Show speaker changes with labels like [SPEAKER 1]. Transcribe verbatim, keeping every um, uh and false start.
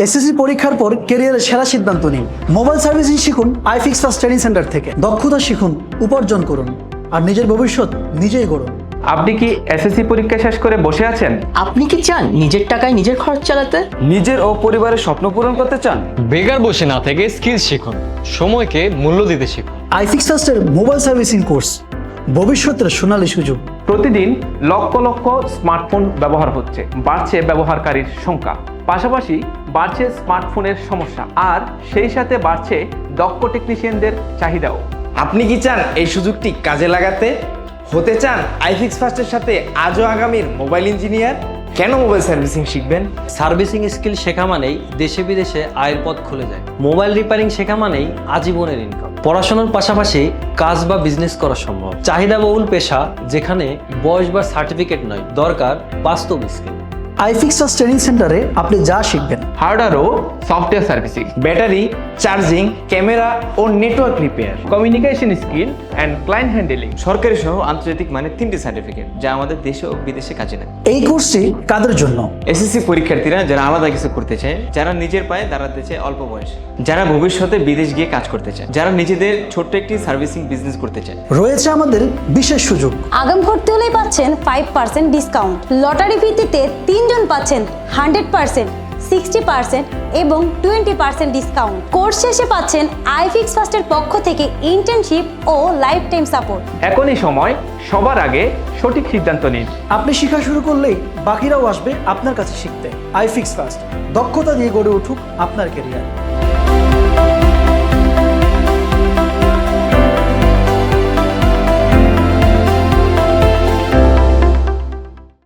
[SPEAKER 1] SSC পরীক্ষার পর ক্যারিয়ারের সেরা সিদ্ধান্ত নিন। মোবাইল সার্ভিসিং শিখুন আইফিক্স ফার্স্ট ট্রেনিং সেন্টার থেকে। দক্ষতা শিখুন, উপার্জন করুন আর নিজের ভবিষ্যৎ নিজেই গড়ুন।
[SPEAKER 2] আপনি কি এসএসসি পরীক্ষা শেষ করে বসে আছেন?
[SPEAKER 3] আপনি কি চান নিজের টাকায় নিজের খরচ চালাতে?
[SPEAKER 4] নিজের ও পরিবারের স্বপ্ন পূরণ করতে চান?
[SPEAKER 5] বেকার বসে না থেকে স্কিল শিখুন, সময়কে মূল্য দিতে শিখুন।
[SPEAKER 1] আইফিক্স ফার্স্টের মোবাইল সার্ভিসিং কোর্স ভবিষ্যতের সোনালী সুযোগ।
[SPEAKER 2] প্রতিদিন লক্ষ লক্ষ স্মার্টফোন ব্যবহার হচ্ছে, বাড়ছে ব্যবহারকারীর সংখ্যা, পাশাপাশি বাড়ছে স্মার্টফোনের সমস্যা, আর সেই সাথে বাড়ছে দক্ষ টেকনিশিয়ানদের চাহিদাও।
[SPEAKER 4] আপনি কি চান এই সুযোগটি কাজে লাগাতে? হতে চান আইফিক্স ফার্স্টের সাথে আজও আগামীর মোবাইল ইঞ্জিনিয়ার? কেন মোবাইল সার্ভিসিং শিখবেন?
[SPEAKER 6] সার্ভিসিং স্কিল শেখা মানেই দেশে বিদেশে আয়ের পথ খুলে যায়। মোবাইল রিপেয়ারিং শেখা মানেই আজীবনের ইনকাম। পড়াশোনার পাশাপাশি কাজ বা বিজনেস করা সম্ভব। চাহিদাবহুল পেশা যেখানে বয়স বা সার্টিফিকেট নয়, দরকার বাস্তব স্কিল।
[SPEAKER 1] আইফিক্স ফার্স্ট ট্রেনিং সেন্টারে আপনি যা শিখবেন,
[SPEAKER 2] হার্ডওয়্যার ও software servicing,
[SPEAKER 4] battery, charging, camera ও network repair,
[SPEAKER 2] communication skill and client handling,
[SPEAKER 4] সরকারি সহ আন্তর্জাতিক মানে তিনটি সার্টিফিকেট যা আমাদের দেশে ও বিদেশে কাজে লাগে।
[SPEAKER 1] এই কোর্সটি কাদের জন্য?
[SPEAKER 4] এসএসসি পরীক্ষার্থীরা যারা আলাদা কিছু করতে চায়, যারা নিজের পায়ে দাঁড়াতে চায় অল্প বয়সে, যারা ভবিষ্যতে বিদেশ গিয়ে কাজ করতে চায়, যারা নিজেদের ছোট্ট একটি সার্ভিসিং বিজনেস করতে চায়।
[SPEAKER 1] রয়েছে আমাদের বিশেষ সুযোগ।
[SPEAKER 7] আগাম ভর্তি হলেই পাচ্ছেন ফাইভ পার্সেন্ট ডিসকাউন্ট। লটারি ভিত্তিতে তিনজন পাচ্ছেন হান্ড্রেড পার্সেন্ট, সিক্সটি পার্সেন্ট এবং টোয়েন্টি পার্সেন্ট ডিসকাউন্ট। কোর্স শেষে পাচ্ছেন আইফিক্স ফার্স্টের পক্ষ থেকে ইন্টার্নশিপ ও লাইফ টাইম সাপোর্ট।
[SPEAKER 2] এখনই সময়, সবার আগে সঠিক সিদ্ধান্ত নিন।
[SPEAKER 1] আপনি শেখা শুরু করলেই বাকিরাও আসবে আপনার কাছে শিখতে। আইফিক্স ফার্স্ট, দক্ষতা দিয়ে গড়ে উঠুক আপনার ক্যারিয়ার।